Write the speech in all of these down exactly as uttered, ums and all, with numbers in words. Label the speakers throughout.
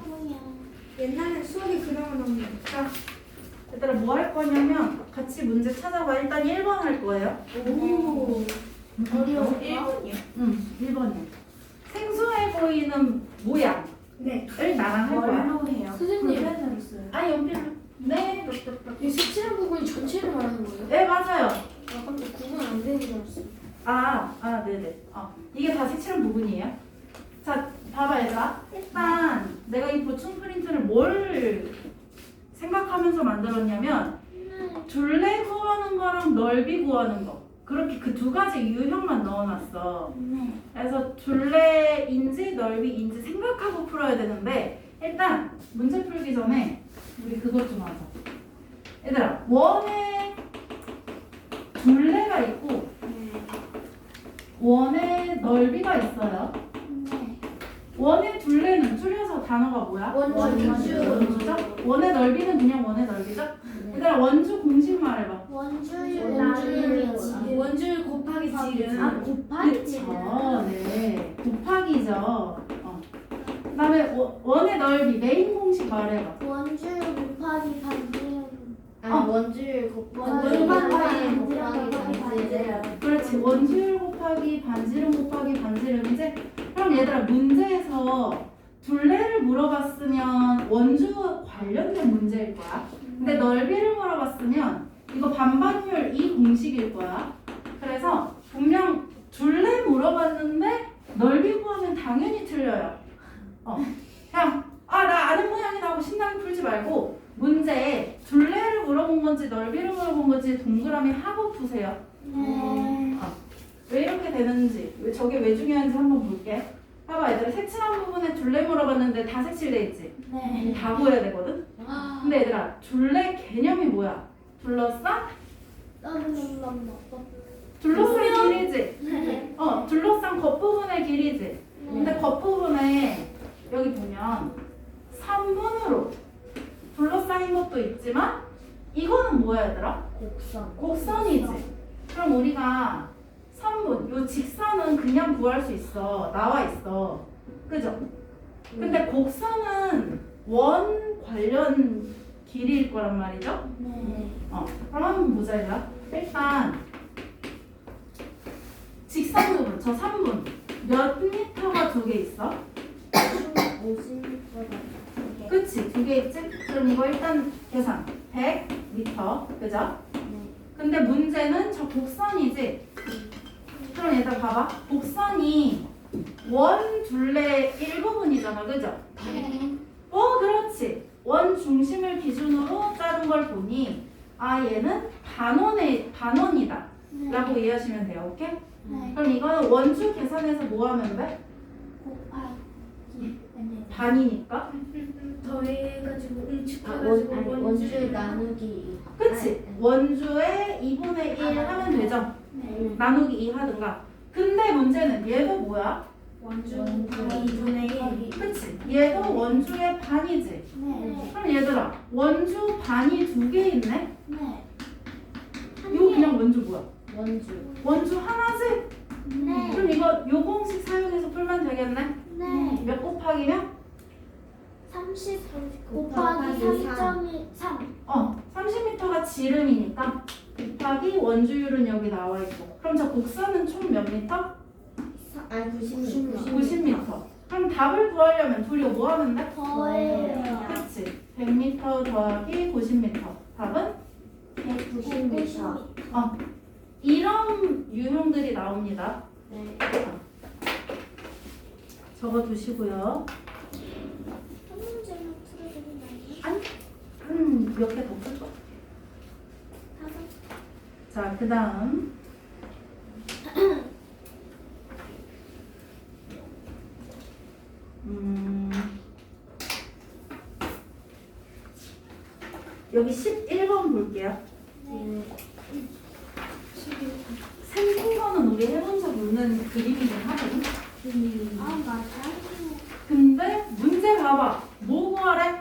Speaker 1: 뭐야?
Speaker 2: 옛날에 수학이 그런 건
Speaker 3: 자, 얘들아 뭐 할 거냐면 같이 문제 찾아봐. 일단 일 번 할 거예요.
Speaker 2: 오.
Speaker 1: 어려워.
Speaker 2: 일 번이요?
Speaker 3: 응, 일 번이야. 생소해 보이는 모양을
Speaker 2: 네.
Speaker 3: 나랑 할 거야.
Speaker 1: 뭘로 해요?
Speaker 4: 선생님.
Speaker 1: 볼펜으로 써요.
Speaker 3: 아, 연필로. 네,
Speaker 4: 이 색칠한 부분이 전체를 말하는 거예요?
Speaker 3: 네, 맞아요.
Speaker 4: 아, 깜짝 구분 안 되는 줄 알았어.
Speaker 3: 아, 아, 네네. 어, 이게 다 색칠한 부분이에요. 자, 봐봐, 얘들아. 일단 내가 이 보충 프린트를 뭘 생각하면서 만들었냐면 둘레 구하는 거랑 넓이 구하는 거. 그렇게 그 두 가지 유형만 넣어놨어.
Speaker 1: 네.
Speaker 3: 그래서 둘레인지 넓이인지 생각하고 풀어야 되는데 일단 문제 풀기 전에 우리 그것 좀 하자. 얘들아, 원에 둘레가 있고 원에 넓이가 있어요.
Speaker 1: 네.
Speaker 3: 원의 둘레는 줄여서 단어가 뭐야?
Speaker 4: 원주.
Speaker 3: 원주죠? 원의 넓이는 그냥 원의 넓이죠? 얘들아, 원주 공식 말해봐.
Speaker 1: 원주율
Speaker 4: 원주율.
Speaker 1: 나누기 지름.
Speaker 2: 원줄 곱하기 지름.
Speaker 1: 아, 곱하기
Speaker 3: 그쵸?
Speaker 1: 지름.
Speaker 3: 네. 곱하기죠. 어. 그 다음에 원의 넓이, 메인 공식 말해봐.
Speaker 1: 원주율 곱하기 반지름.
Speaker 4: 아니,
Speaker 3: 어.
Speaker 4: 원줄 곱하기
Speaker 1: 원줄
Speaker 4: 곱하기
Speaker 1: 곱하기
Speaker 4: 곱하기 반지름.
Speaker 3: 그렇지. 원주율 곱하기 반지름 곱하기 반지름이지? 그럼 얘들아, 문제에서 둘레를 물어봤으면 원주 관련된 문제일 거야. 근데 넓이를 물어봤으면 이거 반반율 이 공식일 거야. 그래서 분명 둘레 물어봤는데 넓이 구하면 당연히 틀려요. 어. 그냥 아, 나 아는 모양이다 하고 신나게 풀지 말고 문제에 둘레를 물어본 건지 넓이를 물어본 건지 동그라미 하고 푸세요.
Speaker 1: 네.
Speaker 3: 어. 왜 이렇게 되는지, 왜 저게 왜 중요한지 한번 볼게. 봐봐, 얘들아, 색칠한 부분에 둘레 물어봤는데 다 색칠돼 있지?
Speaker 1: 네.
Speaker 3: 다 구해야 되거든?
Speaker 4: 아,
Speaker 3: 근데 얘들아, 둘레 개념이 뭐야? 둘러싼? 둘러싼 길이지?
Speaker 1: 네.
Speaker 3: 어, 둘러싼 겉부분의 길이지? 근데 겉부분에 여기 보면 삼 분으로 둘러싸인 것도 있지만 이거는 뭐야, 얘들아?
Speaker 4: 곡선.
Speaker 3: 곡선이지? 그럼 우리가 삼 분, 요 직선은 그냥 구할 수 있어. 나와 있어. 그죠? 근데 곡선은 원 관련 길이일 거란 말이죠?
Speaker 1: 네.
Speaker 3: 어, 그럼 한번 보자, 얘들아. 일단 직선 부분, 저 삼 분 몇 미터가 두 개 있어?
Speaker 4: 오십 미터가.
Speaker 3: 그치? 두 개 있지? 그럼 이거 일단 계산. 백 미터, 그죠? 근데 문제는 저 곡선이지? 그럼 얘들아 봐봐. 곡선이 원 둘레 일부분이잖아, 그죠?
Speaker 1: 네.
Speaker 3: 어, 그렇지. 원 중심을 기준으로 짜는 걸 보니 아, 얘는 반원의 반원이다 라고 이해하시면 돼요. 오케이?
Speaker 1: 네.
Speaker 3: 그럼 이거는 원주 계산해서 뭐 하면 돼?
Speaker 1: 곱하기. 아니.
Speaker 3: 반이니까.
Speaker 2: 더해가지고
Speaker 4: 아,
Speaker 2: 응축해가지고
Speaker 4: 원, 아니, 원줄 나누기.
Speaker 3: 그치? 원주에 이분의 일 하면 되죠?
Speaker 1: 네.
Speaker 3: 나누기 이 하든가. 근데 문제는 얘도 뭐야?
Speaker 2: 원줄
Speaker 4: 원줄.
Speaker 2: 곱하기 이분의 일.
Speaker 3: 그치? 얘도 원주의 반이지?
Speaker 1: 네.
Speaker 3: 그럼 얘들아, 원주 반이 두 개 있네?
Speaker 1: 네.
Speaker 3: 이거 그냥 원주 뭐야?
Speaker 4: 원주.
Speaker 3: 원주 하나지?
Speaker 1: 네.
Speaker 3: 그럼 이거 요 공식 사용해서 풀면 되겠네?
Speaker 1: 네.
Speaker 3: 몇 곱하기면?
Speaker 1: 삼십
Speaker 4: 곱하기
Speaker 1: 곱하기 삼 점 삼.
Speaker 3: 어, 삼십 미터가 지름이니까 곱하기 원주율은 여기 나와 있고. 그럼 저 곡선은 총 몇 미터?
Speaker 4: 아니, 구십 미터.
Speaker 3: 구십 미터. 그럼 답을 구하려면 둘이 뭐 하면 돼?
Speaker 1: 더해요.
Speaker 3: 그치? 백 미터 더하기 구십 미터. 답은?
Speaker 4: 백구십 미터.
Speaker 3: 어. 이런 유형들이 나옵니다.
Speaker 4: 네.
Speaker 3: 적어 두시고요.
Speaker 1: 한 문제만 풀어주면
Speaker 3: 아니, 음, 몇 개 더 풀 거.
Speaker 1: 다섯.
Speaker 3: 자, 그 다음. 음, 여기 십일 번 볼게요.
Speaker 1: 네.
Speaker 3: 생긴 거는 우리 해본 적 없는 그림이긴 하거든.
Speaker 1: 아, 맞아요.
Speaker 3: 근데 문제 봐봐. 뭐 구하래?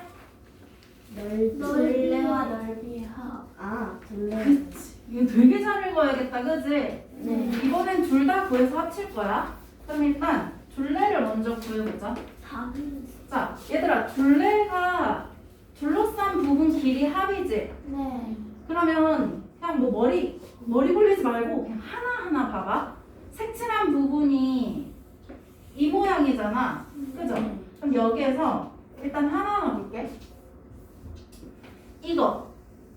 Speaker 1: 둘레와 넓이의 합.
Speaker 4: 아, 둘레.
Speaker 3: 그치. 이거 되게 잘 읽어야겠다, 그지?
Speaker 4: 네.
Speaker 3: 이번엔 둘 다 구해서 합칠 거야. 그럼 일단 둘레를 먼저 구해보자.
Speaker 1: 사분.
Speaker 3: 자, 얘들아, 둘레가 둘러싼 부분 길이 합이지?
Speaker 1: 네.
Speaker 3: 그러면 그냥 뭐 머리, 머리 굴리지 말고 그냥 하나하나 봐봐. 색칠한 부분이 이 모양이잖아. 그죠? 그럼 여기에서 일단 하나하나 볼게. 이거.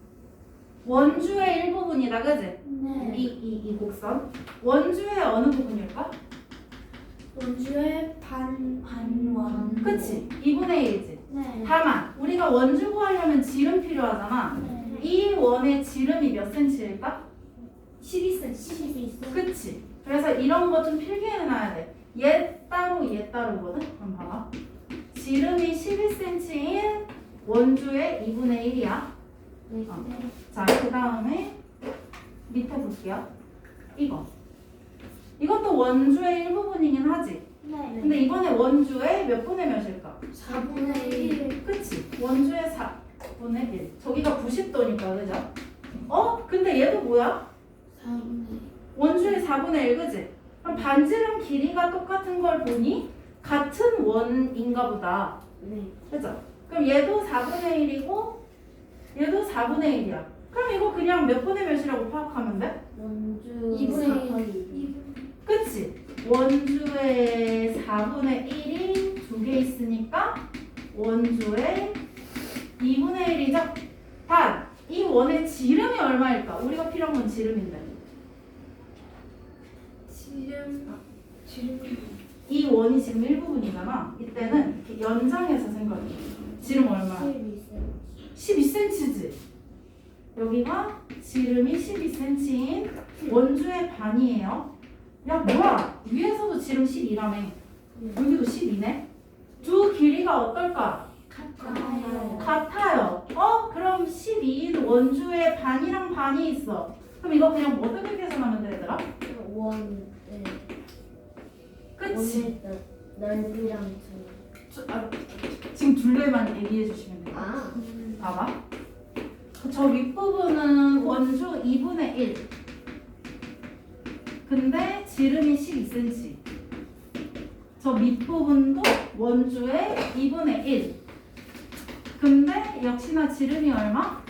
Speaker 3: 원주의 일부분이다, 그지?
Speaker 1: 네.
Speaker 3: 이, 이, 이 곡선. 원주의 어느 부분일까?
Speaker 2: 원주의 반 반원.
Speaker 3: 그치? 이분의 일이지.
Speaker 1: 네.
Speaker 3: 다만, 우리가 원주 구하려면 지름 필요하잖아.
Speaker 1: 네.
Speaker 3: 이 원의 지름이 몇 센치일까?
Speaker 2: 십이 센티미터.
Speaker 1: 십이 센티미터.
Speaker 3: 그치? 그래서 이런 거 좀 필기해놔야 돼. 얘 따로 얘 따로거든? 그럼 봐봐. 지름이 십이 센티미터인 원주의 이분의 일이야.
Speaker 1: 네.
Speaker 3: 자, 그 다음에 밑에 볼게요. 이거. 이것도 원주의 일부분이긴 하지.
Speaker 1: 네.
Speaker 3: 근데 이번에 원주의 몇 분의 몇일까?
Speaker 2: 사분의 일.
Speaker 3: 그치? 원주의 사분의 일. 저기가 구십 도니까, 그죠? 어? 근데 얘도 뭐야?
Speaker 1: 사분의
Speaker 3: 원주의 사분의 일, 그지? 그럼 반지름 길이가 똑같은 걸 보니 같은 원인가 보다.
Speaker 4: 네.
Speaker 3: 그죠? 그럼 얘도 사분의 일이고 얘도 사분의 일이야. 그럼 이거 그냥 몇 분의 몇이라고 파악하면 돼?
Speaker 4: 원주
Speaker 2: 이분의
Speaker 4: 사분의
Speaker 2: 일.
Speaker 3: 그치? 원주의 사분의 일이 두 개 있으니까 원주의 이분의 일이죠? 단, 이 원의 지름이 얼마일까? 우리가 필요한 건 지름인데.
Speaker 2: 지름. 지름.
Speaker 3: 이 원이 지금 일부분이잖아. 이때는 이렇게 연장해서 생각해. 지름 얼마야? 십이 센티미터지. 여기가 지름이 십이 센티미터인 원주의 반이에요. 야 뭐야? 위에서도 지름 십이라며. 여기도 십이네. 두 길이가 어떨까?
Speaker 1: 같아요.
Speaker 3: 같아요. 어? 그럼 십이인 원주의 반이랑 반이 있어. 그럼 이거 그냥 뭐 어떻게 계산하면 돼, 얘들아?
Speaker 4: 원. 네.
Speaker 3: 그치?
Speaker 4: 원의 넓- 넓이랑 두.
Speaker 3: 저, 아, 지금 둘레만 얘기해 주시면 돼요.
Speaker 4: 아.
Speaker 3: 봐봐. 저 윗부분은 원주 이분의 일. 근데 지름이 십이 센티미터. 저 밑부분도 원주의 이분의 일. 근데 역시나 지름이 얼마?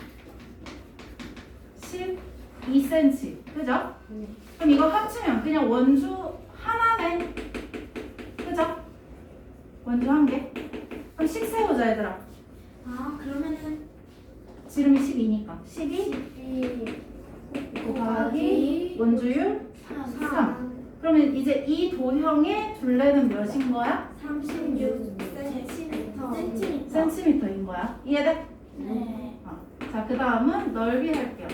Speaker 3: 십이 센티미터. 그죠?
Speaker 4: 네.
Speaker 3: 그럼 이거 합치면 그냥 원주 하나네. 그죠? 원주 한 개. 그럼 식 세우자, 얘들아.
Speaker 2: 아 그러면은
Speaker 3: 지름이 십이니까. 십이 곱하기 원주율 삼. 그러면 이제 이 도형의 둘레는 몇인 거야?
Speaker 2: 삼십육 센티미터.
Speaker 1: 센티미터.
Speaker 3: 센티미터인 거야. 이해돼?
Speaker 1: 네.
Speaker 3: 어. 자, 그 다음은 넓이 할게요.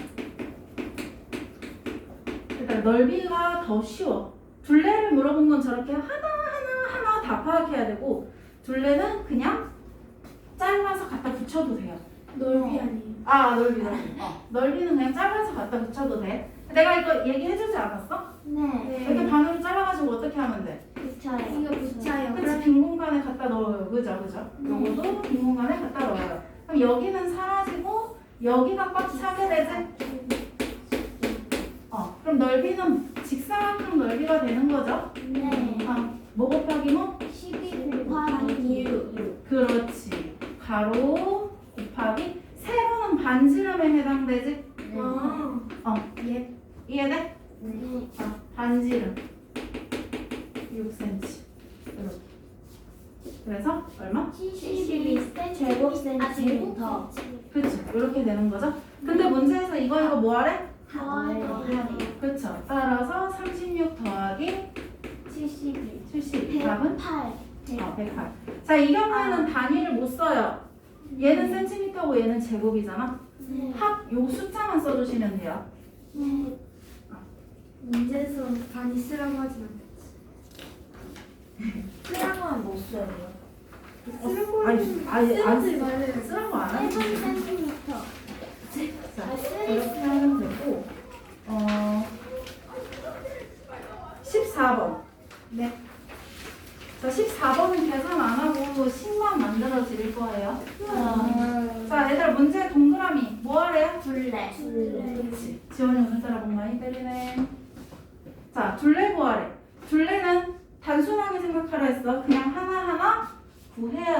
Speaker 3: 일단 넓이가 더 쉬워. 둘레를 물어본 건 저렇게 하나하나 하나 다 파악해야 되고, 둘레는 그냥 잘라서 갖다 붙여도 돼요.
Speaker 2: 넓이 아니에요.
Speaker 3: 아, 넓이, 넓이. 어. 넓이는 그냥 잘라서 갖다 붙여도 돼. 내가 이거 얘기해주지 않았어?
Speaker 1: 네.
Speaker 3: 이렇게 반으로 잘라가지고 어떻게 하면 돼?
Speaker 1: 붙여요.
Speaker 2: 이거 붙여요.
Speaker 3: 그치, 빈 공간에 갖다 넣어요. 그죠, 그죠? 요것도 빈 공간에 갖다 넣어요. 그럼 여기는 사라지고, 여기가 꽉 차게 되지? 어, 그럼 넓이는 직사각형 넓이가 되는 거죠?
Speaker 1: 네.
Speaker 3: 아, 뭐 곱하기 뭐?
Speaker 1: 십이 곱하기 육.
Speaker 3: 그렇지. 가로 곱하기 세로는 반지름에 해당되지?
Speaker 2: 아.
Speaker 3: 어,
Speaker 2: 예.
Speaker 3: 이해돼?
Speaker 1: 네.
Speaker 3: 어, 반지름 육 센티미터. 이렇게. 그래서 얼마?
Speaker 1: 칠십이 제곱 센티미터.
Speaker 3: 그치, 이렇게 되는 거죠? 근데 문제에서 이거 이거 뭐 하래?
Speaker 1: 더하기
Speaker 3: 그쵸. 따라서 삼십육 더하기
Speaker 1: 칠십일.
Speaker 3: 칠십. 답은?
Speaker 1: 팔.
Speaker 3: 어, 백팔. 자, 이 경우에는 단위를 못 써요. 얘는 센티미터고 얘는 제곱이잖아.
Speaker 1: 네.
Speaker 3: 합, 요 숫자만 써주시면 돼요.
Speaker 1: 네.
Speaker 2: 문제에서 반이 쓰라고 하진 않겠지.
Speaker 4: 쓰라고 하면 못 써요.
Speaker 2: 쓰라고
Speaker 3: 아니,
Speaker 2: 하면
Speaker 3: 아니, 안
Speaker 2: 쓰지
Speaker 3: 쓰-
Speaker 2: 말래요.
Speaker 3: 쓰라고 안 하지.
Speaker 1: 세븐 센티미터.
Speaker 3: 자,
Speaker 1: 아, 쓰-
Speaker 3: 이렇게 하면 되고, 어, 십사 번.
Speaker 2: 네.
Speaker 3: 자, 십사 번은 계산 안 하고 십만 만들어 드릴 거예요.
Speaker 1: 어.
Speaker 3: 자, 얘들아, 문제 동그라미. 뭐 하래요?
Speaker 1: 둘레.
Speaker 3: 그렇지. 지원이 오늘따라 목 많이 때리네. 자, 둘레 구하래. 둘레는 단순하게 생각하라 했어. 그냥 하나하나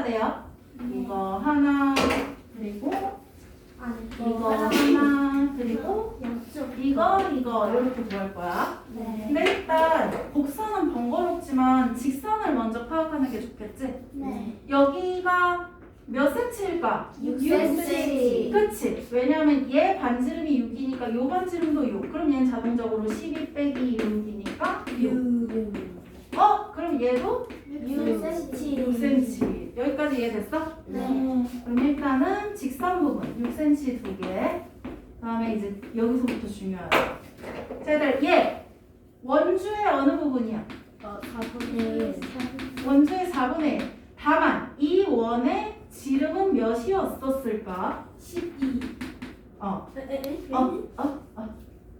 Speaker 3: 돼요. 이거 하나 그리고
Speaker 2: 아니
Speaker 3: 이거 하나 그리고
Speaker 2: 양쪽.
Speaker 3: 이거 이거 이렇게 구할 거야.
Speaker 1: 네.
Speaker 3: 근데 일단 곡선은 번거롭지만 직선을 먼저 파악하는 게 좋겠지?
Speaker 1: 네.
Speaker 3: 여기가 몇 센치일까?
Speaker 1: 육
Speaker 4: 센치.
Speaker 3: 그치? 왜냐면 얘 반지름이 육이니까 요 반지름도 육. 그럼 얘는 자동적으로 십이 빼기 육이니까 육. 어? 그럼 얘도
Speaker 1: 육 센치.
Speaker 3: 육 센치. 여기까지 이해됐어?
Speaker 1: 네.
Speaker 3: 그럼 일단은 직선 부분 육 센치 두 개. 그다음에 이제 여기서부터 중요하다. 자, 얘들 얘 원주의 어느 부분이야?
Speaker 4: 어, 사분의 일.
Speaker 3: 원주의 사분의 일. 다만 이 원의 지름은 몇이었었을까?
Speaker 2: 십이.
Speaker 3: 어,
Speaker 2: 에에에.
Speaker 3: 어, 어, 어.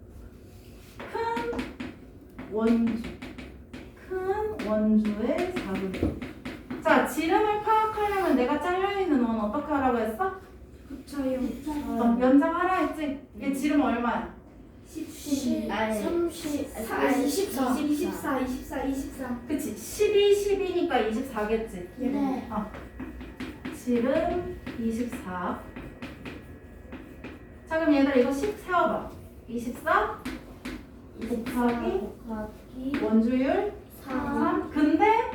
Speaker 3: 큰 원주. 큰 원주의 사분의 일. 자, 지름을 파악하려면 내가 잘려있는 원 어떻게 하라고 했어?
Speaker 2: 붙여요.
Speaker 3: 어, 연장하라 했지? 얘 지름 얼마야?
Speaker 2: 십십.
Speaker 4: 아니,
Speaker 1: 삼십.
Speaker 2: 사, 이십사. 이십사. 이십사. 이십사.
Speaker 3: 그치? 십이, 십이니까 이십사겠지?
Speaker 1: 네.
Speaker 3: 지름 이십사. 자, 그럼 얘들아 이거 십 세워봐. 이십사 곱하기
Speaker 4: 곱하기
Speaker 3: 원주율
Speaker 4: 삼.
Speaker 3: 삼. 근데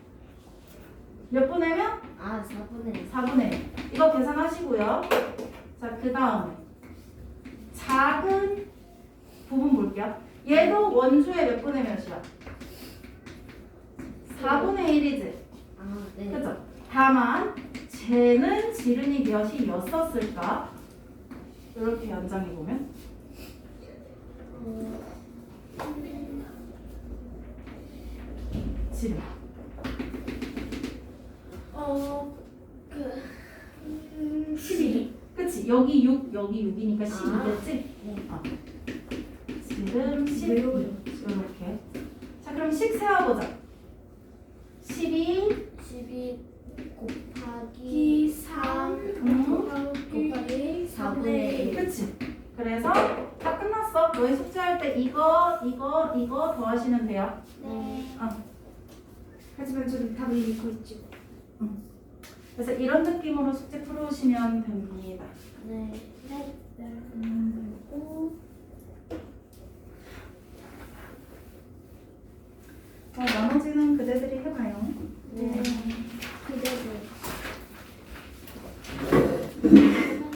Speaker 3: 몇 분의 면?
Speaker 4: 아, 사분의 일.
Speaker 3: 사분의 일. 이거 계산하시고요. 자, 그 다음에 작은 부분 볼게요. 얘도 원주의 몇 분의 몇이야? 사분의 일이지.
Speaker 4: 아, 네.
Speaker 3: 그죠? 다만 쟤는 지름이 몇이었었을까? 이렇게 연장해 보면 지름.
Speaker 2: 어.
Speaker 1: 그.
Speaker 2: 음, 십이.
Speaker 3: 그치? 여기 육, 여기 육이니까 십이겠지?
Speaker 4: 네.
Speaker 3: 어. 지름 십.
Speaker 2: 외워요.
Speaker 3: 이렇게. 자, 그럼 식 세워보자. 십이
Speaker 4: 십이 곱하기
Speaker 2: 이 삼.
Speaker 3: 음.
Speaker 4: 곱하기 사분의 일.
Speaker 3: 그치? 그래서 다 끝났어. 너희 숙제할 때 이거, 이거, 이거 더 하시면 돼요.
Speaker 1: 네.
Speaker 2: 하지만 저는 답을 읽고 있죠.
Speaker 3: 그래서 이런 느낌으로 숙제 풀어오시면 됩니다.
Speaker 4: 네.
Speaker 1: 네.
Speaker 2: 음, 오.